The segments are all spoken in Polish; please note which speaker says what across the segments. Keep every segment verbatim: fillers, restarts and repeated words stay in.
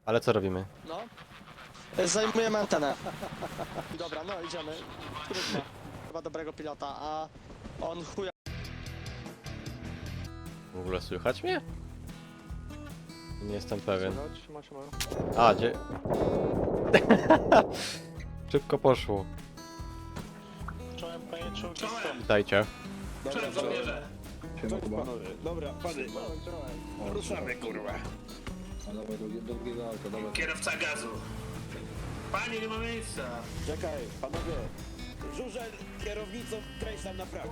Speaker 1: Ale co robimy?
Speaker 2: No. Zajmujemy antenę. Dobra, no idziemy. Trudno. Chyba dobrego pilota, a on chuja.
Speaker 1: W ogóle słychać mnie? Nie jestem pewien.
Speaker 2: Siema, siema.
Speaker 1: A, gdzie? Szybko poszło.
Speaker 2: Czołem, panie czołgi.
Speaker 1: Witajcie.
Speaker 3: Cześć, żołnierze!
Speaker 4: Dobra, pany, ruszamy kurwa.
Speaker 5: A dawaj drugie, drugiego auto, dawaj.
Speaker 3: Kierowca gazu. Panie, nie ma miejsca.
Speaker 4: Czekaj, panowie. Żurzel kierownicą kręć tam na prawo.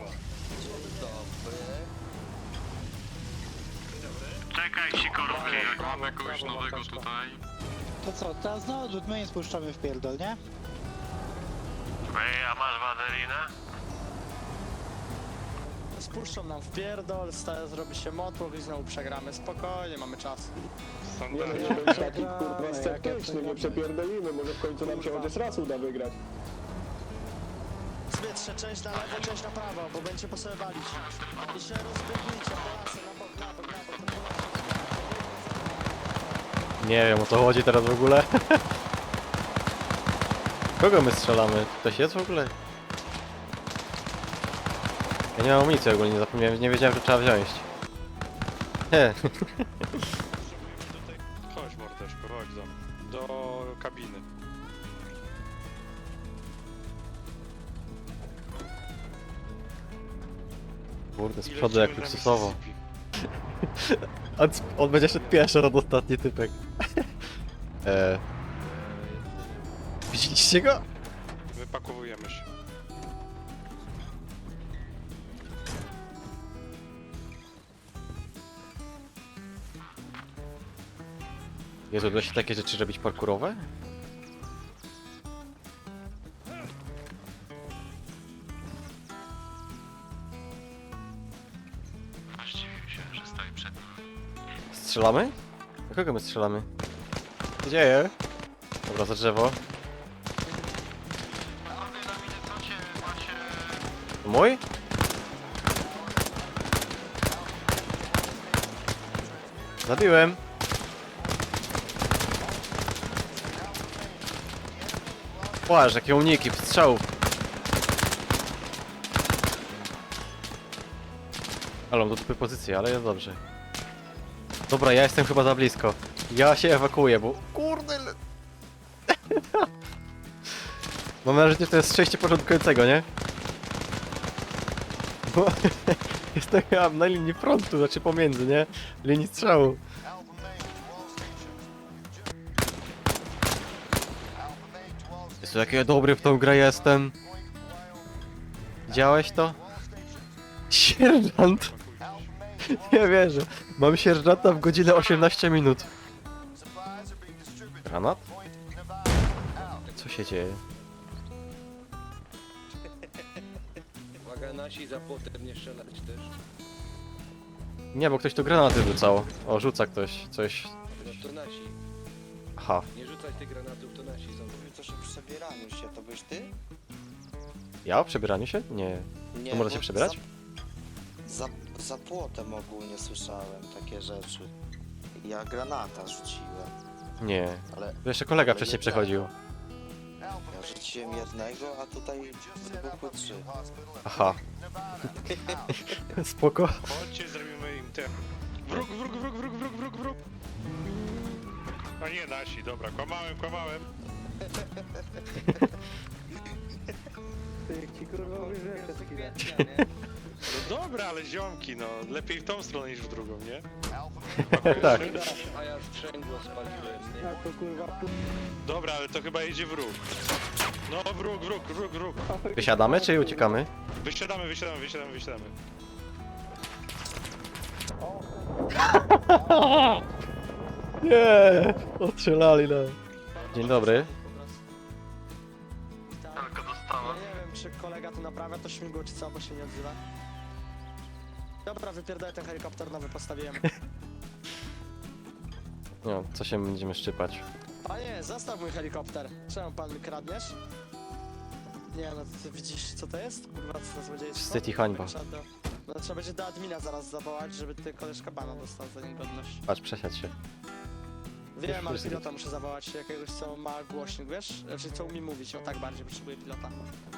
Speaker 6: Czekaj, sikorówki, jak mamy kogoś nowego tutaj.
Speaker 7: To co, teraz na odrzut my nie spuszczamy w pierdol, nie?
Speaker 6: Ej, a masz wazelinę?
Speaker 2: Spuszczą nam w pierdol, sta- zrobi się motłoch i znowu przegramy. Spokojnie, mamy czas.
Speaker 4: Nie no, nie bądź taki kurwa sceptyczny, nie przepierdolimy, może w końcu nam się chociaż raz uda wygrać.
Speaker 2: Zwietrze, część na lewo, część na prawo, bo będzie po sobie walić. I się rozbiegnijcie, polasy, na bok, na bok, na bok, to
Speaker 1: Nie wiem, o co chodzi teraz w ogóle. Kogo my strzelamy? Ktoś jest w ogóle? Ja nie mam amunicji ogólnie, nie zapomniałem, nie wiedziałem, że trzeba wziąć. Nie.
Speaker 8: Chodź mordeczko, chodź do, do kabiny.
Speaker 1: Kurde, z
Speaker 8: I
Speaker 1: przodu jak
Speaker 8: lecimy na
Speaker 1: luksusowo.
Speaker 8: Mississippi.
Speaker 1: On, on będzie szedł pierwszy, od ostatni typek. Eee. Widzieliście go?
Speaker 8: Wypakowujemy się.
Speaker 1: Jezu, da się takie rzeczy robić parkurowe?
Speaker 6: Zdziwił się, że stoi przed nim.
Speaker 1: Strzelamy? Do kogo my strzelamy? Co się dzieje? Dobra, za drzewo. To mój? Zabiłem. Płaż, jakie uniki, strzałów. Ale mam do dupy pozycję, ale jest dobrze. Dobra, ja jestem chyba za blisko. Ja się ewakuuję, bo... Kurde... le- Mam nadzieję, że to jest szczęście początkującego, nie? Bo... jestem chyba na linii frontu, znaczy pomiędzy, nie? Linii strzału. Jezu, jaki ja dobry w tą grę jestem. Widziałeś to? Sierżant! Nie wierzę. Mam sierżanta w godzinę osiemnaście minut. Granat? Co się dzieje?
Speaker 5: Uwaga, nasi za płotem nie strzelać też.
Speaker 1: Nie, bo ktoś tu granaty rzucał. O, rzuca ktoś coś.
Speaker 5: No to nasi.
Speaker 1: Aha.
Speaker 5: Nie rzucać tych granatów, to nasi są.
Speaker 9: Mówi coś o przebieraniu się, to byś ty?
Speaker 1: Ja o przebieraniu się? Nie.
Speaker 9: Nie,
Speaker 1: To można się
Speaker 9: bo
Speaker 1: przebierać?
Speaker 9: Za, za, za płotem ogólnie słyszałem takie rzeczy. Ja granata rzuciłem,
Speaker 1: Nie.
Speaker 9: ale
Speaker 1: To jeszcze kolega
Speaker 9: Ale
Speaker 1: wcześniej
Speaker 9: nie
Speaker 1: przechodził.
Speaker 9: ja rzuciłem jednego, a tutaj wybuchły trzy.
Speaker 1: Aha. Spoko.
Speaker 8: Chodźcie, zrobimy im ten. Wróg, wróg, wróg, wróg, wróg, wróg, wróg. A nie nasi, dobra, kłamałem, kłamałem. No dobra, ale ziomki, no, lepiej w tą stronę niż w drugą, nie?
Speaker 1: Tak.
Speaker 5: A ja sprzęgło spaliłem, nie?
Speaker 8: Dobra, ale to chyba jedzie wróg. No, wróg, wróg, wróg, wróg.
Speaker 1: Wysiadamy czy uciekamy?
Speaker 8: Wysiadamy, wysiadamy, wysiadamy, wysiadamy.
Speaker 1: Nie! Ostrzelali nam. Dzień dobry.
Speaker 6: Tylko
Speaker 2: Ja
Speaker 6: dostałem.
Speaker 2: nie wiem, czy kolega tu naprawia to śmigło, czy co, bo się nie odzywa. Dobra, wypierdolę ten helikopter nowy, postawiłem.
Speaker 1: No, co się będziemy szczypać?
Speaker 2: Panie, zostaw mój helikopter. Czemu pan mi kradniesz? Nie no, ty widzisz co to jest? Kurwa, co to złodziejstwo?
Speaker 1: Wstyd i hańba.
Speaker 2: Trzeba do, no, trzeba będzie do admina zaraz zawołać, żeby ty koleżka bana dostał za niegodność.
Speaker 1: Patrz, przesiadź się.
Speaker 2: Wiem, ale
Speaker 1: Już
Speaker 2: pilota muszę zawołać jakiegoś, co ma głośnik, wiesz? Znaczy, co umie mówić, o tak bardziej potrzebuję pilota.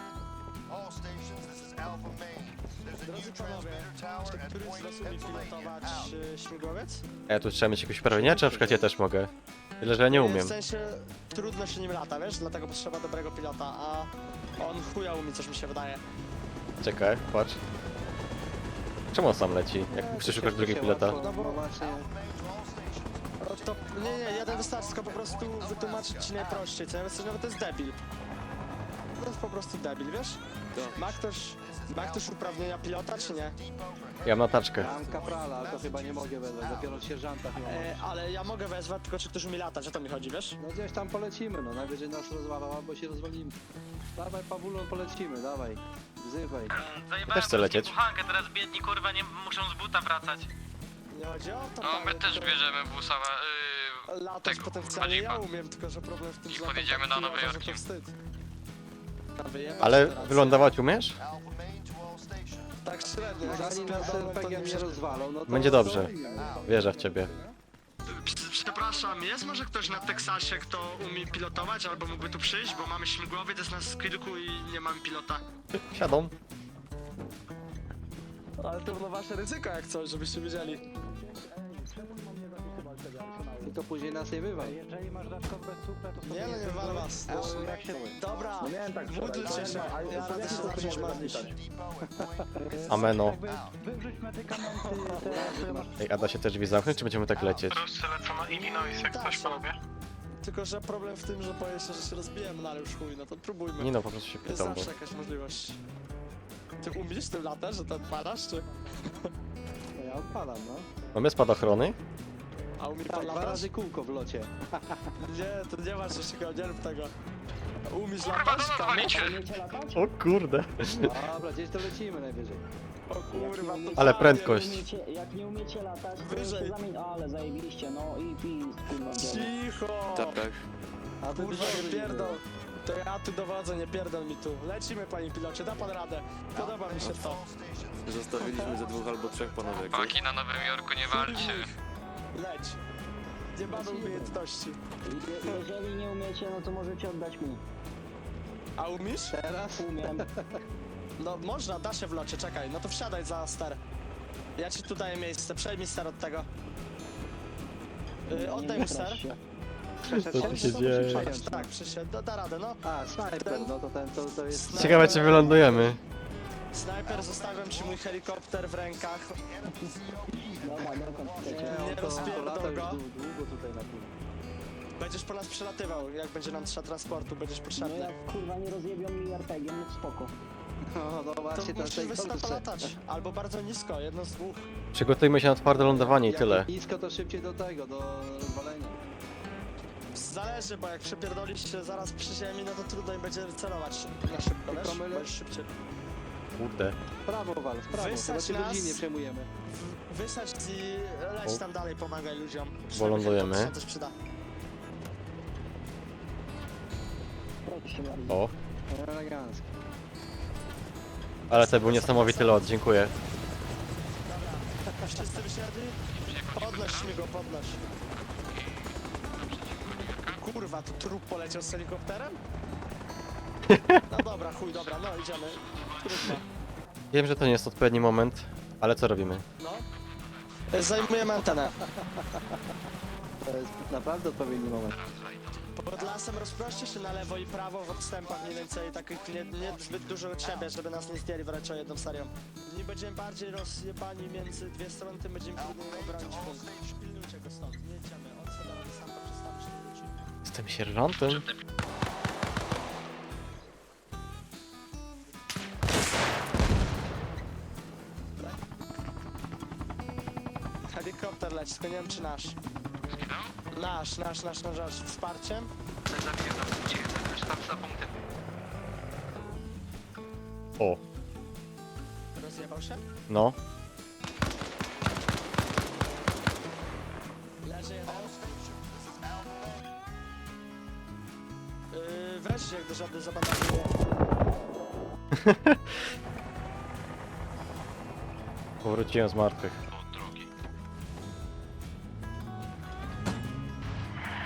Speaker 2: Drodzy panowie, czy któryś z was umie pilotować y, śmigłowiec?
Speaker 1: A ja tu trzeba mieć jakieś uprawnienia, czy na przykład ja też mogę? Tyle, że ja nie umiem.
Speaker 2: W sensie, trudno się nim lata, wiesz? Dlatego potrzeba dobrego pilota, a on chuja umie, coś mi się wydaje.
Speaker 1: Czekaj, patrz. Czemu on sam leci, jak musisz szukać drugiego pilota?
Speaker 2: No bo właśnie... No to, nie, nie, jeden wystarczy, tylko po prostu wytłumaczyć ci najprościej, co ja myślę, że to jest debil. To jest po prostu debil, wiesz? Ma ktoś, ma ktoś uprawnienia pilota, czy nie?
Speaker 1: Ja mam notaczkę.
Speaker 5: Mam kaprala, ale to chyba nie mogę wezwać, dopiero sierżanta chyba.
Speaker 2: E, ale ja mogę wezwać, tylko czy ktoś umie latać, o to mi chodzi, wiesz?
Speaker 5: No gdzieś tam polecimy, no najwyżej nas rozwalał, albo się rozwalimy. Dawaj Pawulon, polecimy, dawaj. Wzywaj.
Speaker 1: Też chcę lecieć.
Speaker 6: Buchankę, teraz biedni kurwa nie muszą z buta wracać.
Speaker 2: Nie chodzi o to,
Speaker 6: No my
Speaker 2: panie,
Speaker 6: też
Speaker 2: tylko
Speaker 6: bierzemy busa, yy,
Speaker 2: latać
Speaker 6: tego,
Speaker 2: potencjalnie ja
Speaker 6: Jeepa.
Speaker 2: umiem, tylko że problem w tym,
Speaker 6: I
Speaker 2: że latam
Speaker 6: podjedziemy
Speaker 2: tak
Speaker 6: na
Speaker 2: chujowo,
Speaker 6: Nowy
Speaker 2: że
Speaker 6: Jork.
Speaker 2: to wstyd. A wyjebać
Speaker 1: Ale
Speaker 2: teraz.
Speaker 1: wylądować umiesz?
Speaker 2: Tak średnio, jak
Speaker 5: Zanim nas
Speaker 2: spierdolę, to
Speaker 5: R P G
Speaker 2: nie
Speaker 5: mnie rozwalą, no to...
Speaker 1: Będzie dobrze. Wierzę w ciebie.
Speaker 2: Przepraszam, jest może ktoś na Teksasie, kto umie pilotować albo mógłby tu przyjść, bo mamy śmigłowiec, jest nas kilku i nie mamy pilota.
Speaker 1: Siadą.
Speaker 2: Ale to no wasze ryzyko jak coś, żebyście wiedzieli.
Speaker 5: Tylko później nas nie wywal.
Speaker 7: Jeżeli masz dodatkowe super, to
Speaker 2: Nie no, nie wywalę was.
Speaker 7: jak się...
Speaker 2: Dobra,
Speaker 4: No miałem tak wczoraj,
Speaker 2: módlcie się,
Speaker 4: a
Speaker 2: ja
Speaker 4: to
Speaker 2: radzę
Speaker 4: jak
Speaker 2: się
Speaker 4: to
Speaker 2: zacząć
Speaker 4: można
Speaker 2: modlić.
Speaker 4: zapytać?
Speaker 1: Ameno.
Speaker 7: Jakby wywrzuć medykamenty teraz, które masz...
Speaker 1: Ej, a da się te drzwi zamknąć, czy będziemy tak lecieć?
Speaker 6: Rozstrzelę na Illinois, jak
Speaker 2: Tak,
Speaker 6: coś
Speaker 2: tak.
Speaker 6: panowie.
Speaker 2: Tylko, że problem w tym, że boję się, że się rozbijemy, no ale już chuj, no to próbujmy.
Speaker 1: Nie no, po prostu się
Speaker 2: Jest
Speaker 1: pytam, bo...
Speaker 2: zawsze jakaś możliwość. Ty umiesz tym latać, że to odpalasz, czy?
Speaker 5: No ja odpalam, no.
Speaker 1: Mamy spadochrony?
Speaker 2: A umie pan
Speaker 5: Tak, dwa
Speaker 2: latać?
Speaker 5: razy kółko w locie.
Speaker 2: Nie, to nie masz jeszcze go, nie rób tego. Umiesz
Speaker 6: Kurwa,
Speaker 2: latać?
Speaker 6: to
Speaker 2: Kamil?
Speaker 6: odwalicie!
Speaker 1: O kurde.
Speaker 5: Dobra, gdzieś to lecimy najwyżej.
Speaker 2: O kurwa, to
Speaker 1: Ale
Speaker 2: tak,
Speaker 1: prędkość.
Speaker 10: Jak nie umiecie latać, to
Speaker 2: Wyżej.
Speaker 10: się zamień... O, ale zajebiliście, no i pis, kurwa, biorę.
Speaker 2: Cicho!
Speaker 5: Tak. A ty
Speaker 2: Kurwa, nie pierdol. To ja tu dowodzę, nie pierdol mi tu. Lecimy, panie pilocie, da pan radę. Podoba mi się to.
Speaker 5: Zostawiliśmy ze dwóch albo trzech panowie.
Speaker 6: Paki na Nowym Jorku, nie walcie.
Speaker 2: Leć. Nie mamy umiejętności.
Speaker 10: Je- Jeżeli nie umiecie, no to możecie oddać mi.
Speaker 2: A umiesz?
Speaker 5: Teraz?
Speaker 10: Umiem.
Speaker 2: No można, da się w locie, czekaj. No to wsiadaj za ster. Ja ci tu daję miejsce, przejmij ster od tego. Yy, oddaj mu ster.
Speaker 10: strasz się.
Speaker 1: Co tu się dzieje?
Speaker 2: Tak, przysiedź, da, da radę, no.
Speaker 5: A, snajper, no to ten, to, to jest...
Speaker 1: Ciekawe, czy wylądujemy.
Speaker 2: Snajper, zostawiam ci mój helikopter w rękach.
Speaker 10: Dobra, dokąd chcecie.
Speaker 5: Nie,
Speaker 2: Nie
Speaker 5: on to, to
Speaker 2: rozpierdol
Speaker 5: lata już
Speaker 2: go.
Speaker 5: dłu- długo tutaj na tym.
Speaker 2: Będziesz po nas przelatywał, jak będzie nam trzeba transportu, będziesz
Speaker 10: No
Speaker 2: potrzebny.
Speaker 10: jak kurwa nie rozjebią mi er pe gie, no spoko.
Speaker 5: No, no
Speaker 2: To
Speaker 5: właśnie,
Speaker 2: musisz
Speaker 5: tej
Speaker 2: wysoko
Speaker 5: Polsce.
Speaker 2: latać, albo bardzo nisko, jedno z dwóch.
Speaker 1: Przygotujmy się na twarde lądowanie i
Speaker 5: Jak
Speaker 1: tyle.
Speaker 5: nisko, to szybciej do tego, do rozwalenia.
Speaker 2: Zależy, bo jak przepierdolisz się zaraz przy ziemi, no to trudno im będzie celować na szybko, wiesz?
Speaker 5: Tylko my le-
Speaker 2: Będziesz szybciej.
Speaker 1: Kurde.
Speaker 5: W prawo wal, w prawo,
Speaker 2: Wysadź
Speaker 5: chyba
Speaker 2: nas.
Speaker 5: cię nie przejmujemy.
Speaker 2: W- Wysadź i leć
Speaker 1: O.
Speaker 2: tam dalej, pomagaj ludziom.
Speaker 1: Bo lądujemy.
Speaker 2: Przynajmniej to się przyda.
Speaker 10: Proszę bardzo.
Speaker 1: O.
Speaker 5: Elegancko.
Speaker 1: Ale to był niesamowity lot, dziękuję.
Speaker 2: Wszyscy wysiadli? Podnoś mi go, podnoś. Kurwa, tu trup poleciał z helikopterem? No dobra, chuj, dobra, no idziemy. Trudno.
Speaker 1: Wiem, że to nie jest odpowiedni moment, ale co robimy?
Speaker 2: No. Zajmujemy antenę.
Speaker 5: To jest naprawdę odpowiedni moment.
Speaker 2: Pod lasem rozproście się na lewo i prawo w odstępach mniej więcej takich nie, nie zbyt dużo od siebie, żeby nas nie zdjęli wręcz o jedną serią. Nie będziemy bardziej rozjebani między dwie strony, tym będziemy trudniej obronić punkt. Pilnujcie go stąd, nie jedziemy. On sobie robi sam to przestawić nie wróci.
Speaker 1: Jestem sierżantem.
Speaker 2: Helikopter leci, tylko nie wiem czy nasz. Nasz, nasz, nasz, nasz, nasz. Wsparciem?
Speaker 1: O,
Speaker 2: Rozjebał się?
Speaker 1: no.
Speaker 2: Leży jeden. Yy, wreszcie jak do żadnej zabandażuje.
Speaker 1: Powróciłem z martwych.
Speaker 6: Od drogi.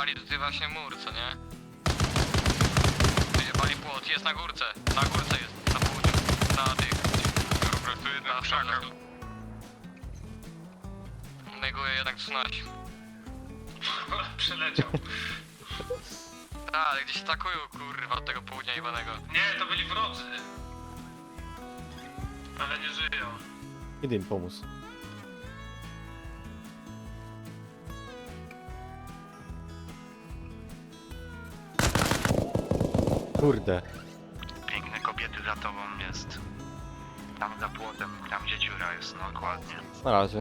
Speaker 6: wyjebali tutaj właśnie mur, co nie? Wyjebali płot, jest na górce. Na górce jest, na południu. Na tych. Dobra, tu jest na krzakach. Neguję jednak trzynaście.
Speaker 3: Przyleciał.
Speaker 6: Tak, ale gdzieś atakują, kurwa, od tego południa jebanego.
Speaker 3: Nie, to byli wrodzy. Ale nie żyją.
Speaker 1: Idę im pomóc. Kurde.
Speaker 6: Piękne kobiety za tobą jest. Tam za płotem, tam gdzie dziura jest, no dokładnie.
Speaker 1: Na razie.